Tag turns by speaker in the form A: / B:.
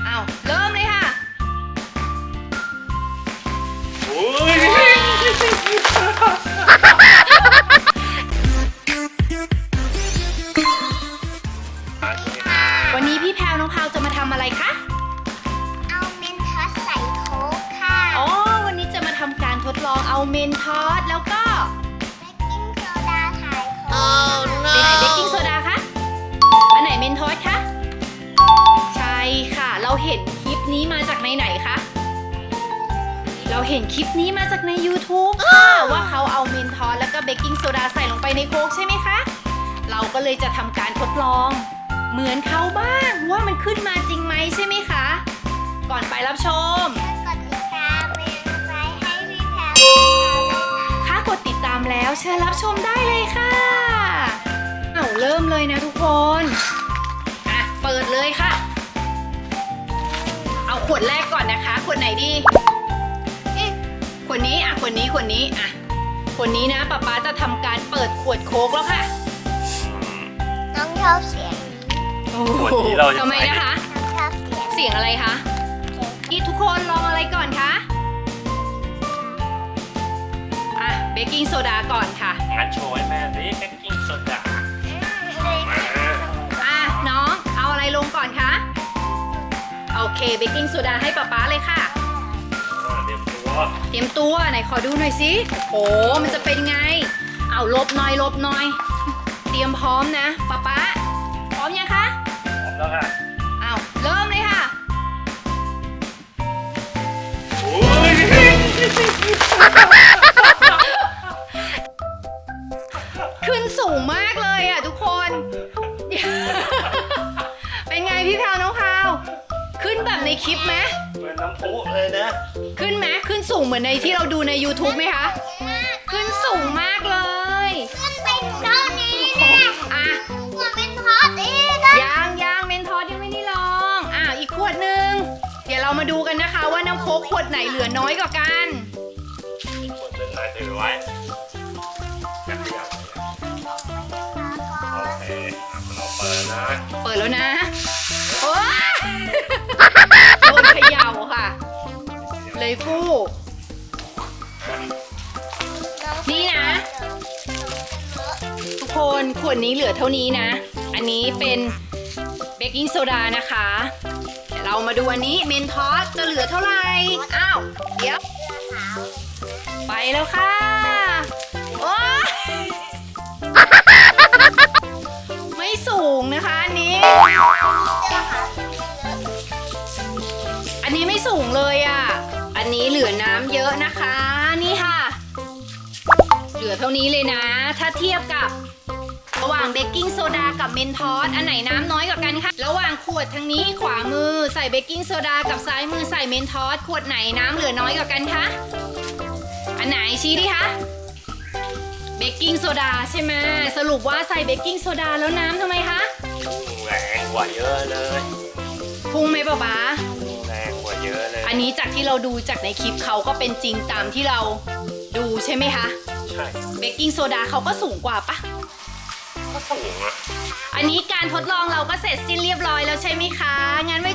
A: อ้าวเริ่มเลยค่ะ
B: โอ้ย
A: วันนี้พี่แพรวน้องพาวจะมาทำอะไรคะ
C: เอาเมนทัสใส่โค้กค่ะ
A: อ๋อวันนี้จะมาทำการทดลองเอาเมนทอสแล้วก็
C: เบกกิ้งโซดาถ่ายโค้ก
A: เป็นไหนเบกกิ้งโซดาคะอันไหนเมนทอสคะใช่ค่ะเราเห็นคลิปนี้มาจากไหนคะเราเห็นคลิปนี้มาจากใน YouTube ค่ะว่าเขาเอาเมนทอสแล้วก็เบกกิ้งโซดาใส่ลงไปในโค้กใช่ไหมคะเราก็เลยจะทำการทดลองเหมือนเขาบ้างว่ามันขึ้นมาจริงไหมใช่ไหมคะก่อนไปรับชม
C: กดติดตามเป็นไลค์ให้พี่แพรว
A: ถ้ากดติดตามแล้วเชิญรับชมได้เลยค่ะเอาเริ่มเลยนะทุกคนอ่ะเปิดเลยค่ะเอาขวดแรกก่อนนะคะขวดไหนดีขวดนี้อ่ะขวดนี้อ่ะขวดนี้นะป๊าจะทำการเปิดขวดโค้กแล้วค่ะ
C: น้องชอบเสียง
A: โอ้โหทำไมนะคะ
C: น้องชอบเสียง
A: เสียงอะไรคะนี่ทุกคนลองอะไรก่อนคะอ่ะเบกกิ้งโซดาก่อนค่ะ
B: งั้นโชว์ให้แม่สิเบกกิ้งโซดามา
A: อ่ะน้องเอาอะไรลงก่อนคะโอเคเบกกิ้งโซดาให้ป๊าเลยค่ะเตรียมตัวไหนขอดูหน่อยสิโอ้มันจะเป็นไงเอาลบหน่อยเตรียมพร้อมนะป๊าพร้อมยังคะ
B: พร้อมแล้วค่ะ
A: เอาเริ่มเลยค่ะ
B: โอ้ย
A: ขึ้นสูงมากเลยอ่ะทุกคน เป็นไงพี่แพรวน้องพาวขึ้นแบบในคลิปไหม
B: เหมือนน้ำพุเลยนะ
A: ขึ้นไหมขึ้นสูงเหมือนในที่เราดูใน YouTube ไหมคะขึ้นสูงมากเลย
C: ขึ้นไปเท่านี้เนี่ย
A: อ่ะ
C: หัวเป็นทอดอีกนะ
A: ยังเมนทอสยังไม่ได้ลองอีกขวดหนึ่งเดี๋ยวเรามาดูกันนะคะว่าน้ำโค้กขวดไหนเหลือน้อยกว่ากัน
B: อีกคนเป็นนายถือไว้กันเดียวโอเคเราเปิดนะ
A: เปิดแล้วนะโอ้โดนเขย่าค่ะเลยฟู่นี่นะทุกคนขวดนี้เหลือเท่านี้นะอันนี้เป็นเบกกิ้งโซดานะคะเดี๋ยวเรามาดูอันนี้เมนทอสจะเหลือเท่าไหร่อ้าวเดี๋ยวไปแล้วค่ะโอ้ไม่สูงนะคะอันนี้ไม่สูงเลยอ่ะอันนี้เหลือน้ำเยอะนะคะนี่ค่ะเหลือเท่านี้เลยนะถ้าเทียบกับระหว่างเบกกิ้งโซดากับเมนทอสอันไหนน้ำน้อยกว่ากันคะระหว่างขวดทางนี้ขวามือใส่เบกกิ้งโซดากับซ้ายมือใส่เมนทอสขวดไหนน้ำเหลือน้อยกว่ากันคะอันไหนชี้ดิคะเบกกิ้งโซดาใช่ไหมสรุปว่าใส่เบกกิ้งโซดาแล้วน้ำทำไมคะ
B: แรงกว่าเยอะเลย
A: พุ่งไหมป๊า
B: แรงกว่าเยอะเลย
A: อันนี้จากที่เราดูจากในคลิปเขาก็เป็นจริงตามที่เราดูใช่ไหมคะ
B: ใช่
A: เบกกิ้งโซดาเขาก็สูงกว่าปะ
B: ก็สูงอะ
A: อันนี้การทดลองเราก็เสร็จสิ้นเรียบร้อยแล้วใช่ไหมคะงั้นไว้